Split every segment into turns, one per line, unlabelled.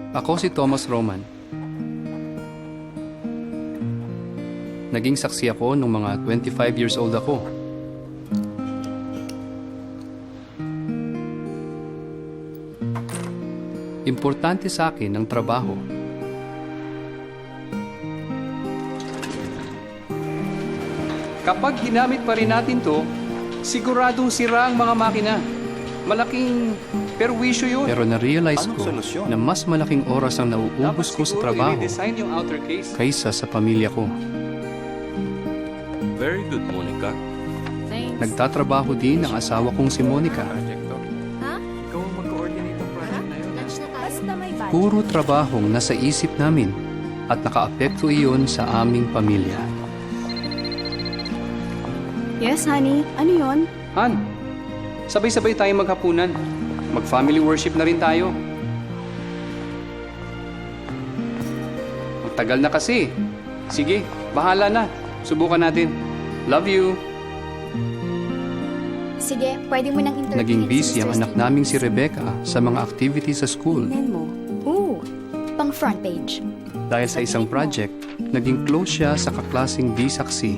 Ako si Thomas Roman. Naging saksi ako nung mga 25 years old ako. Importante sa akin ang trabaho. Kapag ginamit pa rin natin to, siguradong sira ang mga makina. Malaking perwisyo yun. Pero na-realize
Anong
ko
solusyon?
na mas malaking oras ang nauubos ko sa trabaho
yung outer case.
kaysa sa pamilya ko.
Very good, Monica.
Thanks.
Nagtatrabaho din ang asawa kong si Monica.
Ha?
Ikaw ang mag-coordinate ng project na yun.
Lunch na tayo. Basta may budget.
Puro trabahong nasa isip namin at nakaapekto iyon sa aming pamilya.
Yes, honey. Ano yon?
Han, sabay-sabay tayong maghapunan. Mag-family worship na rin tayo. Magtagal na kasi. Sige, bahala na. Subukan natin. Love you.
Sige, pwede mo nang interviewin
Naging busy
si
ang
Mr.
anak
Stevens.
naming si Rebecca sa mga activities sa school.
Tingnan mo.
Ooh, pang front page.
Dahil sa isang project, naging close siya sa kaklasing di saksi.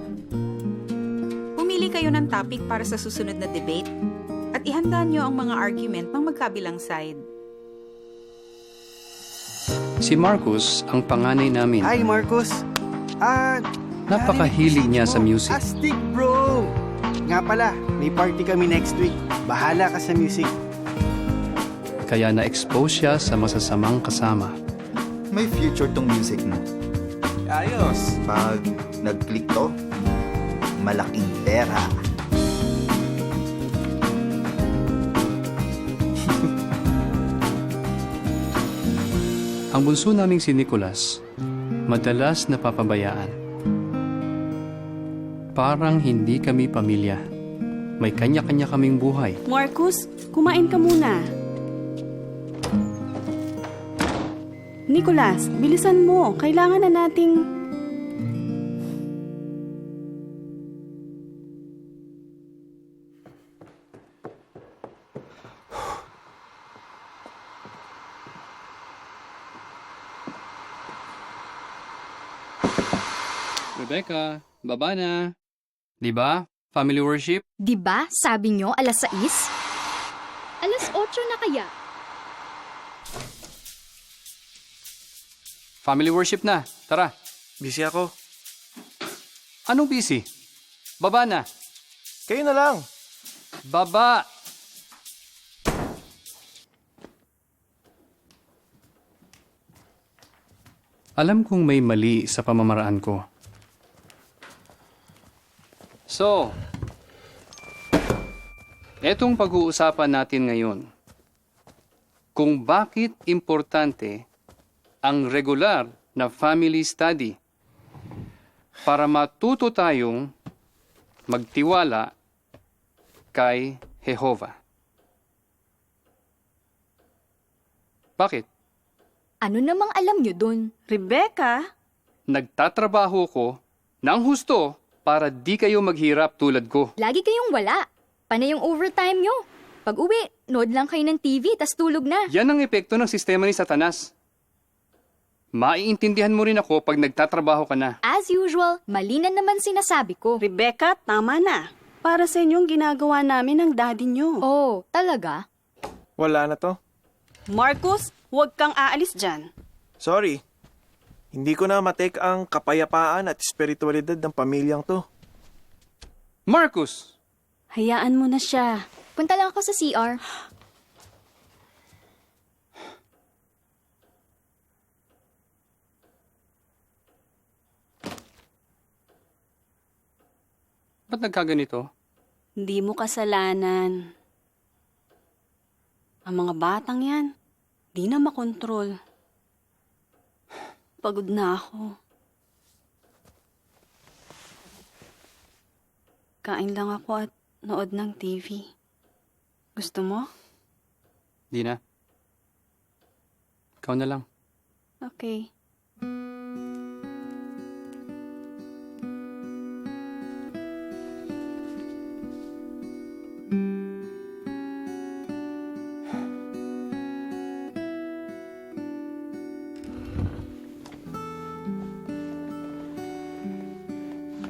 Pumili kayo ng topic para sa susunod na debate at ihanda nyo ang mga argument ng magkabilang side.
Si Marcus ang panganay namin.
Hi, Marcos.
Napakahilig niya sa music.
Astig, bro! Nga pala, may party kami next week. Bahala ka sa music.
Kaya na-expose siya sa masasamang kasama.
May future tong music mo.
Ayos.
Pag nag-click to, malaking pera.
Ang bunso naming si Nicholas, madalas napapabayaan. Parang hindi kami pamilya. May kanya-kanya kaming buhay.
Marcus, kumain ka muna. Nicholas, bilisan mo. Kailangan na nating...
Rebecca, baba na. Di ba? Family worship?
Di ba, sabi nyo, alas 6? Alas 8 na kaya?
Family worship na. Tara.
Busy ako.
Anong busy? Baba na.
Kayo na lang.
Baba! Alam kong may mali sa pamamaraan ko. So, etong pag-uusapan natin ngayon, kung bakit importante ang regular na family study para matuto tayong magtiwala kay Jehovah. Bakit?
Ano namang alam nyo dun?
Rebecca?
Nagtatrabaho ko ng husto para di kayo maghirap tulad ko.
Lagi kayong wala. Panay yung overtime nyo. Pag uwi, nood lang kayo ng TV, tas tulog na.
Yan ang epekto ng sistema ni Satanas. Maiintindihan mo rin ako pag nagtatrabaho ka na.
As usual, mali na naman sinasabi ko.
Rebecca, tama na. Para sa inyong ginagawa namin ng daddy nyo.
Oh, talaga?
Wala na to.
Marcus, huwag kang aalis dyan.
Sorry. Hindi ko na matake ang kapayapaan at espiritualidad ng pamilyang to.
Marcus!
Hayaan mo na siya.
Punta lang ako sa CR.
Ba't nagkaganito?
Hindi mo kasalanan. Ang mga batang yan, di na makontrol. Pagod na ako. Kain lang ako at nood ng TV. Gusto mo?
Di na. Ikaw na lang.
Okay.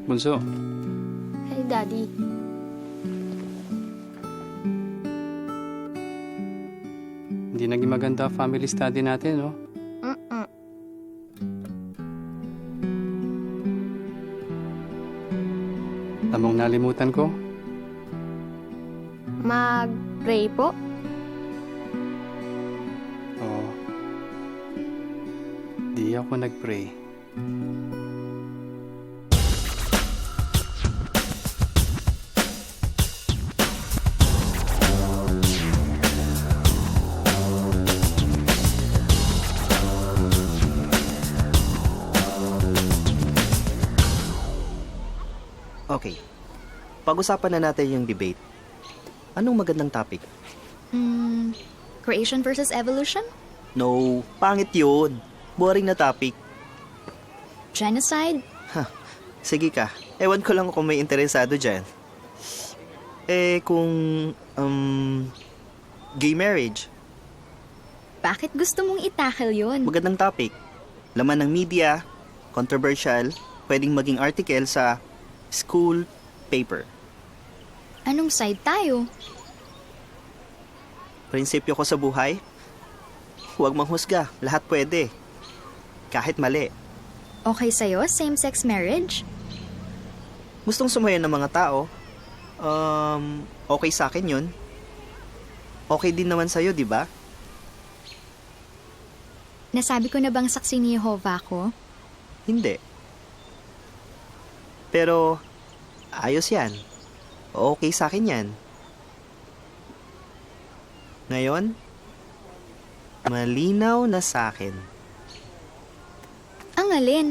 Bunso,
Hi, Daddy.
hindi naging maganda ang family study natin, no?
Mm-mm.
Tamang nalimutan ko.
Mag-pray po?
Oo. Di ako nag-pray.
Okay. Pag-usapan na natin yung debate. Anong magandang topic?
Creation versus evolution?
No, pangit yun. Boring na topic.
Genocide?
Sige ka. Ewan ko lang kung may interesado dyan. Kung, gay marriage.
Bakit gusto mong itackle yun?
Magandang topic. Laman ng media, controversial, pwedeng maging article sa school paper.
Anong side tayo?
Prinsipyo ko sa buhay, huwag manghusga. Lahat pwede. Kahit mali.
Okay sa'yo, same-sex marriage?
Gustong sumayon ng mga tao. Okay sa akin yun. Okay din naman sa'yo, di ba?
Nasabi ko na bang saksi ni Jehovah ko?
Hindi. Pero, ayos yan. Okay sa akin yan. Ngayon, malinaw na sa akin.
Ang alin?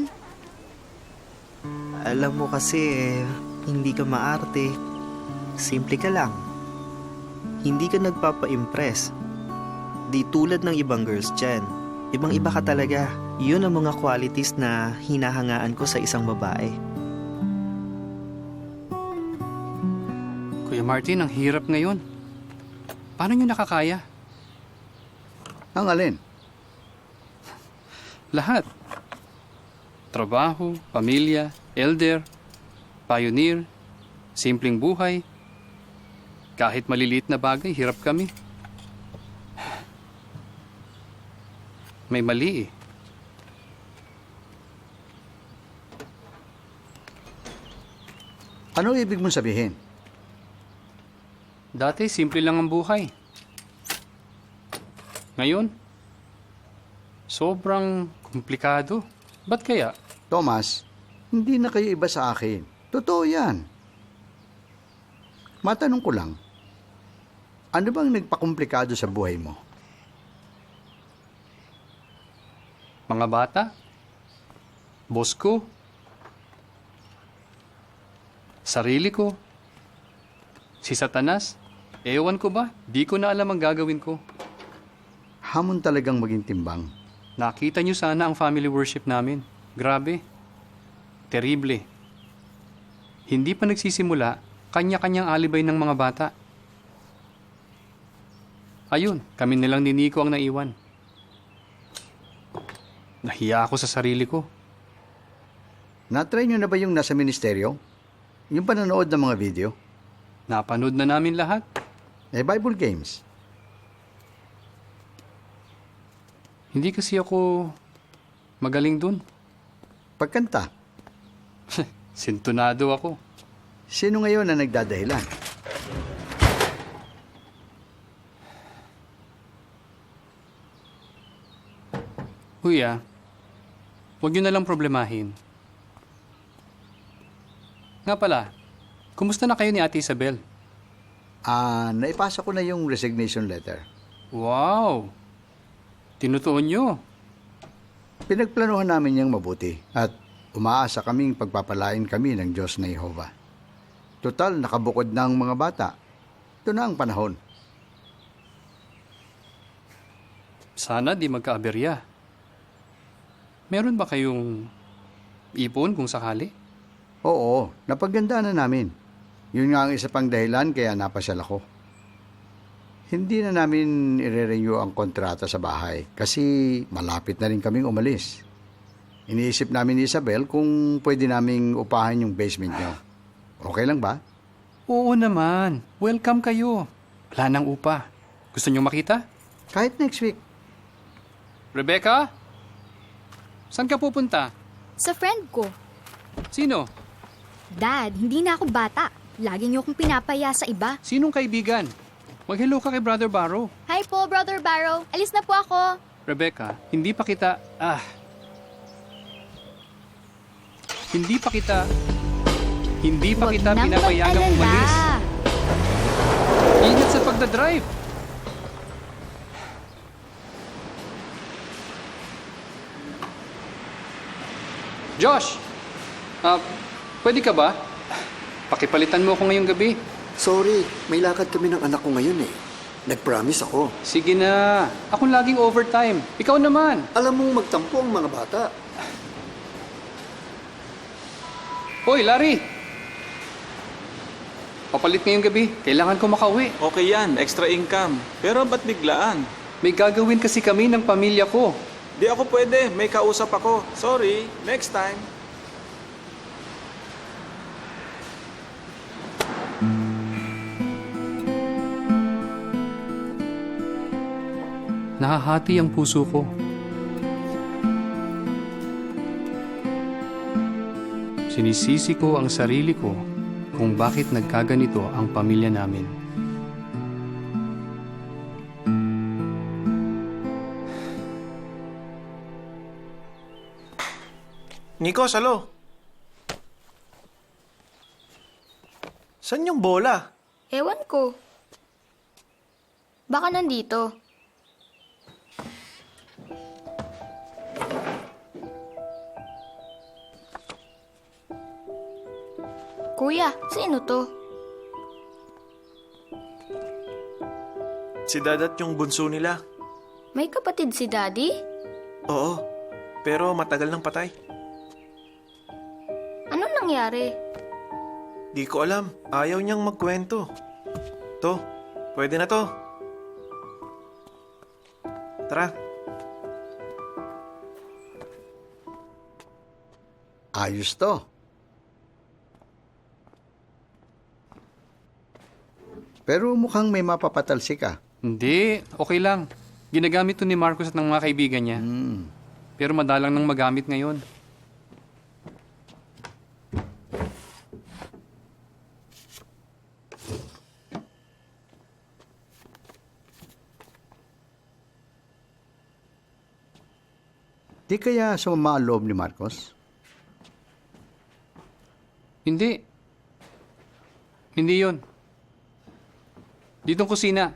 Alam mo kasi, hindi ka maarte. Simple ka lang. Hindi ka nagpapa-impress. Di tulad ng ibang girls dyan. Ibang-iba ka talaga. Yun ang mga qualities na hinahangaan ko sa isang babae.
Kuya Martin, ang hirap ngayon. Paano nyo nakakaya?
Ang alin?
Lahat. Trabaho, pamilya, elder, pioneer, simpleng buhay. Kahit maliliit na bagay, hirap kami. May mali eh.
Ano ibig mong sabihin?
Dati, simple lang ang buhay. Ngayon, sobrang komplikado. Ba't kaya?
Thomas, hindi na kayo iba sa akin. Totoo yan. Matanong ko lang, ano bang nagpakomplikado sa buhay mo?
Mga bata? Boss ko? Sarili ko? Si Satanas? Ewan ko ba? Di ko na alam ang gagawin ko.
Hamon talagang maging timbang.
Nakita niyo sana ang family worship namin. Grabe. Terrible. Hindi pa nagsisimula, kanya-kanyang alibay ng mga bata. Ayun, kami nilang ni Nico ang naiwan. Nahiya ako sa sarili ko.
Na-try nyo na ba yung nasa ministeryo? Yung panonood ng mga video?
Napanood na namin lahat.
Bible games.
Hindi kasi ako magaling dun.
Pagkanta.
Sintunado ako.
Sino ngayon na nagdadahilan?
Kuya, huwag yun na lang problemahin. Nga pala, kumusta na kayo ni Ate Isabel?
Naipasa ko na yung resignation letter.
Wow! Tinutuon nyo.
Pinagplanuhan namin niyang mabuti at umaasa kaming pagpapalain kami ng Diyos na Jehovah. Total, nakabukod na ang mga bata. Ito na ang panahon.
Sana di magkaaberya. Meron ba kayong ipon kung sakali?
Oo, napagandaan na namin. Yun nga ang isa pang dahilan kaya napasyal ako. Hindi na namin i-renew ang kontrata sa bahay kasi malapit na rin kaming umalis. iniisip namin ni Isabel kung pwede naming upahan yung basement nyo. Okay lang ba?
Oo naman. Welcome kayo. Wala nang upa. Gusto nyo makita?
Kahit next week.
Rebecca? Saan ka pupunta?
Sa friend ko.
Sino?
Dad, hindi na ako bata. Lagi niyo akong pinapaya sa iba.
Sinong kaibigan? Mag-hello ka kay Brother Barrow.
Hi po, Brother Barrow. Alis na po ako.
Rebecca, hindi pa kita... Hindi pa
Huwag
kita
nang
pinapayagang
mag-alala.
umalis. Ingat sa pagdadrive. Josh! Pwede ka ba? Pakipalitan mo ako ngayong gabi.
Sorry, may lakad kami ng anak ko ngayon eh. Nag-promise ako.
Sige na. Ako laging overtime. Ikaw naman.
Alam mong magtampo ang mga bata.
Hoy, Larry! Papalit ngayong gabi. Kailangan ko makauwi.
Okay yan, extra income. Pero ba't biglaan?
May gagawin kasi kami ng pamilya ko.
Di ako pwede, may kausap ako. Sorry, next time.
Nahahati ang puso ko. Sinisisi ko ang sarili ko kung bakit nagkaganito ang pamilya namin.
Nico, salo. Saan yung bola?
Ewan ko. Baka nandito. Kuya, sino to?
Si Dad at yung bunso nila.
May kapatid si Daddy?
Oo, pero matagal nang patay.
Ano nangyari?
Di ko alam. Ayaw niyang magkwento. To, pwede na to. Tara.
Ayos to. Pero mukhang may mapapatalsik ka.
Hindi, okay lang. Ginagamit to ni Marcos at ng mga kaibigan niya. Pero madalang nang magamit ngayon.
Di kaya sumama ang loob ni Marcos?
Hindi. Hindi yun. Ditong kusina.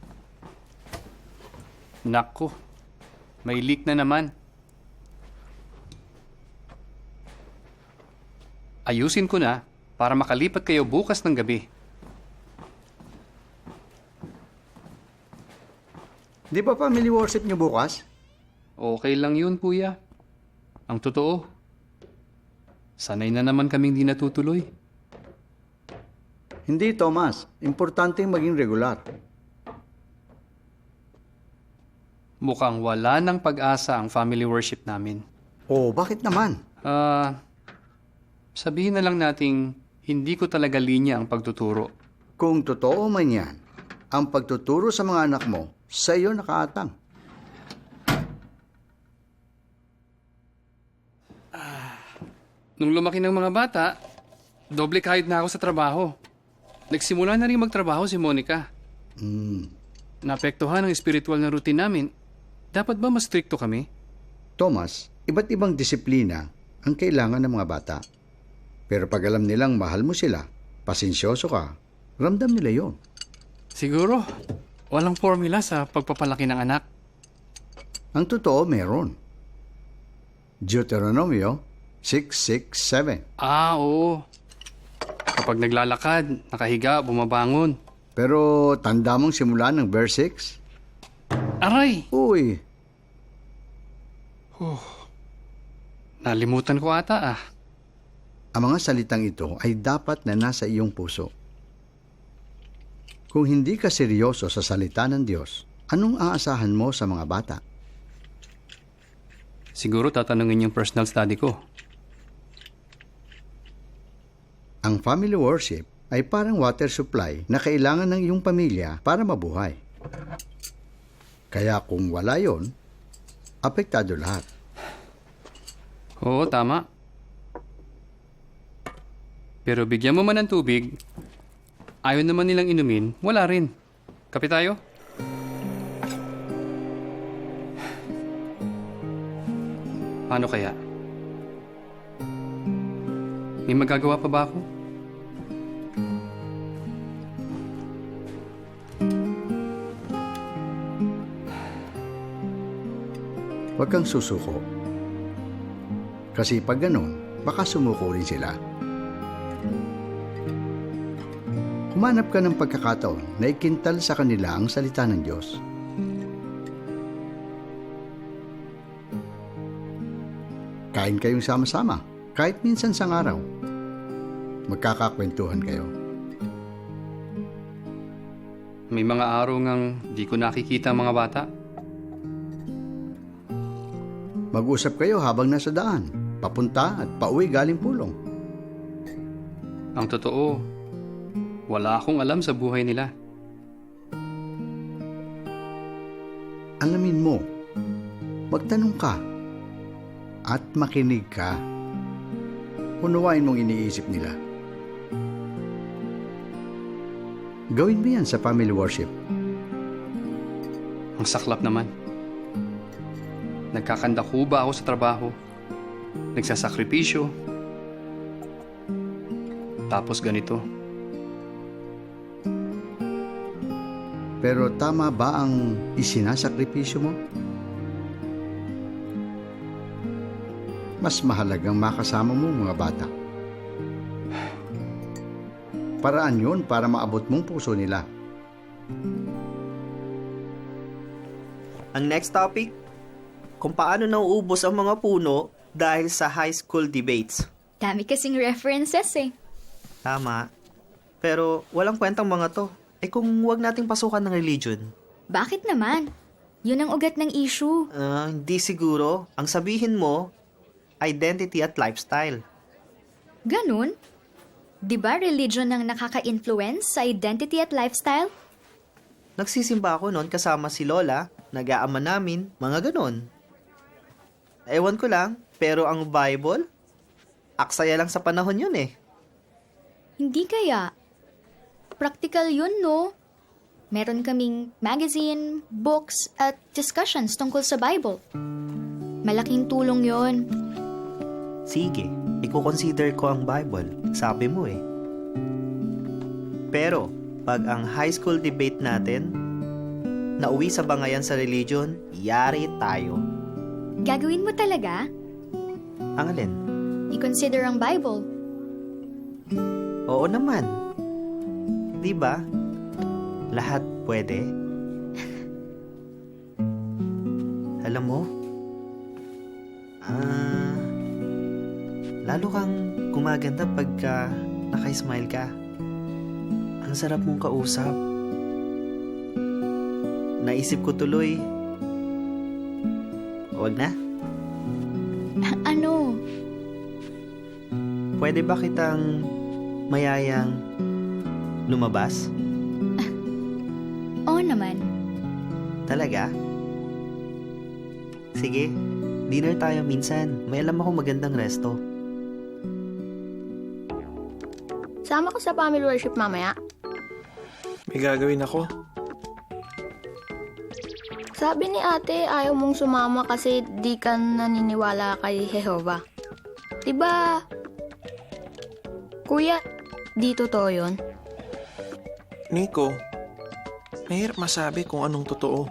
Nako, may leak na naman. Ayusin ko na para makalipat kayo bukas ng gabi.
Di ba family worship niyo bukas?
Okay lang yun, kuya. Ang totoo, sanay na naman kaming di natutuloy.
Hindi, Thomas. Importanteng maging regular.
Mukhang wala ng pag-asa ang family worship namin.
Oh, bakit naman?
Sabihin na lang nating hindi ko talaga linya ang pagtuturo.
Kung totoo man yan, ang pagtuturo sa mga anak mo, sa iyo nakaatang.
Nung lumaki ng mga bata, doble kahit na ako sa trabaho. Nagsimula na rin magtrabaho si Monica. Naapektuhan ang espiritual na routine namin. Dapat ba mas stricto kami?
Thomas, iba't ibang disiplina ang kailangan ng mga bata. Pero pag alam nilang mahal mo sila, pasensyoso ka, ramdam nila yon.
Siguro, walang formula sa pagpapalaki ng anak.
Ang totoo meron. Deuteronomio 6:6-7.
Oo. Kapag naglalakad, nakahiga, bumabangon.
Pero tanda mong simula ng verse 6?
Aray!
Uy,
Nalimutan ko ata
ang mga salitang ito ay dapat na nasa iyong puso. Kung hindi ka seryoso sa salita ng Diyos, anong aasahan mo sa mga bata?
Siguro tatanungin yung personal study ko.
Ang family worship ay parang water supply na kailangan ng iyong pamilya para mabuhay. Kaya kung wala yon, apektado lahat.
Oo, tama. Pero bigyan mo man ng tubig, ayaw naman nilang inumin, wala rin. Kape tayo? Paano kaya? May magagawa pa ba ako?
Huwag kang susuko. Kasi pag ganun, baka sumuko rin sila. Humanap ka ng pagkakataon na ikintal sa kanila ang salita ng Diyos. Kain kayong sama-sama, kahit minsan sang araw. Magkakakwentuhan kayo.
May mga araw ngang di ko nakikita ang mga bata.
Mag-usap kayo habang nasa daan, papunta at pauwi galing pulong.
Ang totoo, wala akong alam sa buhay nila.
Alamin mo, magtanong ka at makinig ka. Unawain mong iniisip nila. Gawin mo yan sa family worship.
Ang saklap naman. Nagkakandakuba ako sa trabaho. Nagsasakripisyo. Tapos ganito.
Pero tama ba ang isinasakripisyo mo? Mas mahalagang makasama mo mga bata. Paraan yun para maabot mong puso nila.
Ang next topic, kung paano nauubos ang mga puno dahil sa high school debates.
Dami kasing references eh.
Tama. Pero walang kwentang mga to. Eh kung huwag nating pasukan ng religion.
Bakit naman? Yun ang ugat ng issue.
Hindi siguro. Ang sabihin mo, identity at lifestyle.
Ganun? Di ba religion ang nakaka-influence sa identity at lifestyle?
Nagsisimba ako noon kasama si Lola, nag-aama namin, mga ganon. Ewan ko lang, pero ang Bible, aksaya lang sa panahon yun eh.
Hindi kaya. Practical yun, no? Meron kaming magazine, books, at discussions tungkol sa Bible. Malaking tulong yon.
Sige, i-consider ko ang Bible. Sabi mo eh. Pero, pag ang high school debate natin, nauwi sa bangayan sa religion, yari tayo.
Gagawin mo talaga?
Ang alin?
I-consider ang Bible.
Oo naman. Di ba? Lahat pwede. Alam mo, lalo kang gumaganda pagka naka-smile ka. Ang sarap mong kausap. Naisip ko tuloy, wag na.
Ano?
Pwede ba kitang mayayang lumabas?
Oo naman.
Talaga? Sige, dinner tayo minsan. May alam ako magandang resto.
Sama ko sa family worship mamaya.
May gagawin ako.
Sabi ni ate, ayaw mong sumama kasi di ka naniniwala kay Jehovah. Diba? Kuya, di totoo yun?
Nico, mahirap masabi kung anong totoo.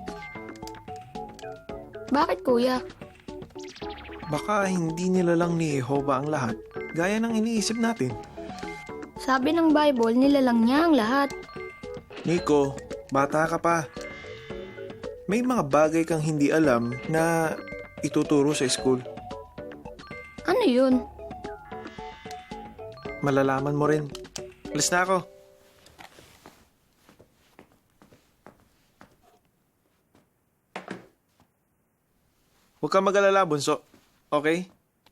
Bakit kuya?
Baka hindi nila lang ni Jehovah ang lahat, gaya ng iniisip natin.
Sabi ng Bible, nilalang niya ang lahat.
Nico, bata ka pa. May mga bagay kang hindi alam na ituturo sa school.
Ano yun?
Malalaman mo rin. Alis na ako. Huwag kang mag-alala, bunso. Okay?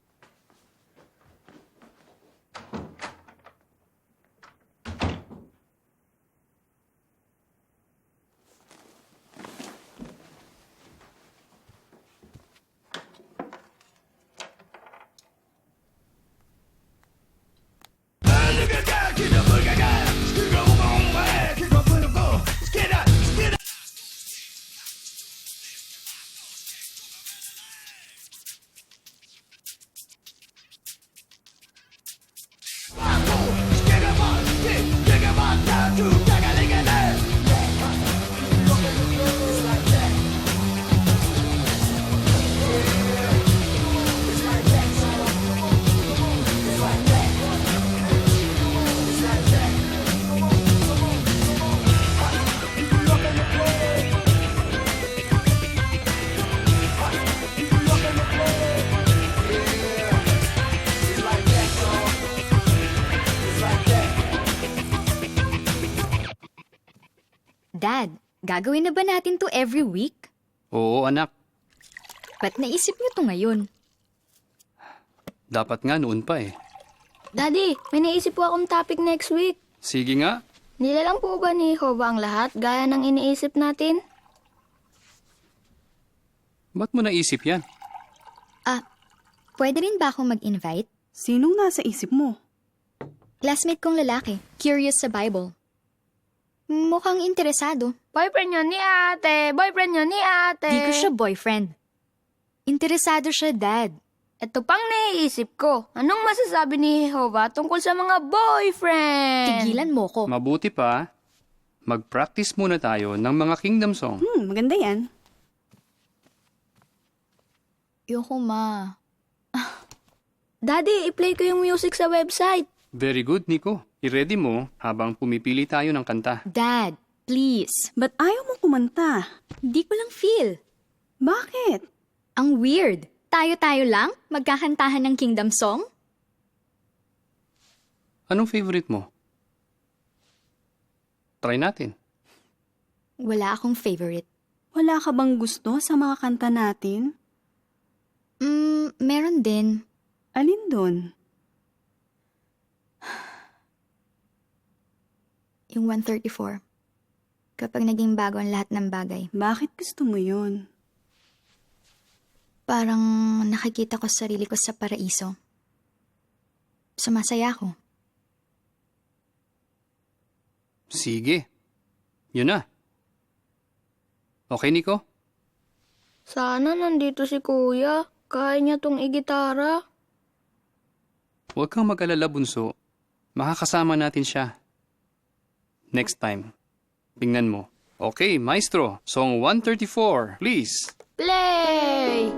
Dad, gagawin na ba natin to every week?
Oo, anak.
Ba't naisip niyo to ngayon?
Dapat nga noon pa eh.
Daddy, may naisip po akong topic next week.
Sige nga.
Nilalang po ba ni Jehovah ang lahat gaya ng iniisip natin?
Ba't mo naisip yan?
Pwede rin ba akong mag-invite?
Sinong nasa isip mo?
Classmate kong lalaki, curious sa Bible. Mukhang interesado.
Boyfriend niyo ni ate! Boyfriend niyo ni ate!
Di ko siya boyfriend. Interesado siya, Dad.
Ito pang naiisip ko. Anong masasabi ni Jehovah tungkol sa mga boyfriend?
Tigilan mo ko.
Mabuti pa, mag-practice muna tayo ng mga kingdom song.
Maganda yan.
Yoko, Ma.
Daddy, i-play ko yung music sa website.
Very good, Nico. I-ready mo habang pumipili tayo ng kanta.
Dad, please.
Ba't ayaw mo kumanta?
Di ko lang feel.
Bakit?
Ang weird. Tayo-tayo lang? Magkakantahan ng kingdom song?
Anong favorite mo? Try natin.
Wala akong favorite.
Wala ka bang gusto sa mga kanta natin?
Meron din.
Alin doon?
Yung 134. Kapag naging bago ang lahat ng bagay.
Bakit gusto mo yun?
Parang nakikita ko sarili ko sa paraiso. Sumasaya ako.
Sige. Yun na. Okay, Nico?
Sana nandito si Kuya. Kaya niya tong igitara.
Huwag kang mag-alala, bunso. Makakasama natin siya. Next time. Tingnan mo. Okay, maestro. Song 134, please.
Play!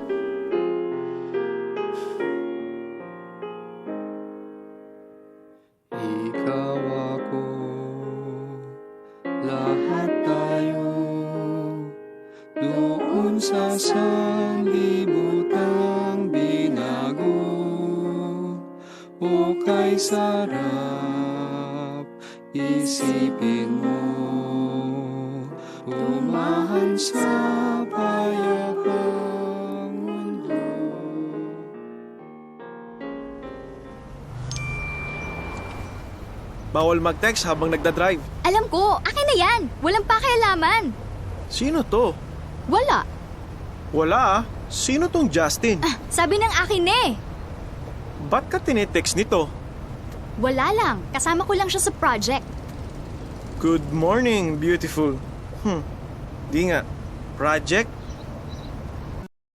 Ikaw ako, lahat tayo, doon sa sanlibutan binago, o kay sarap, isipin mo, tumahan sa payapang mundo.
Bawal mag-text habang nagdadrive.
Alam ko, akin na yan. Walang pakialaman.
Sino to?
Wala.
Wala ah. Sino tong Justin?
Sabi ng akin eh.
Ba't ka tinetext nito?
Wala lang. Kasama ko lang siya sa project.
Good morning, beautiful. Di nga. Project?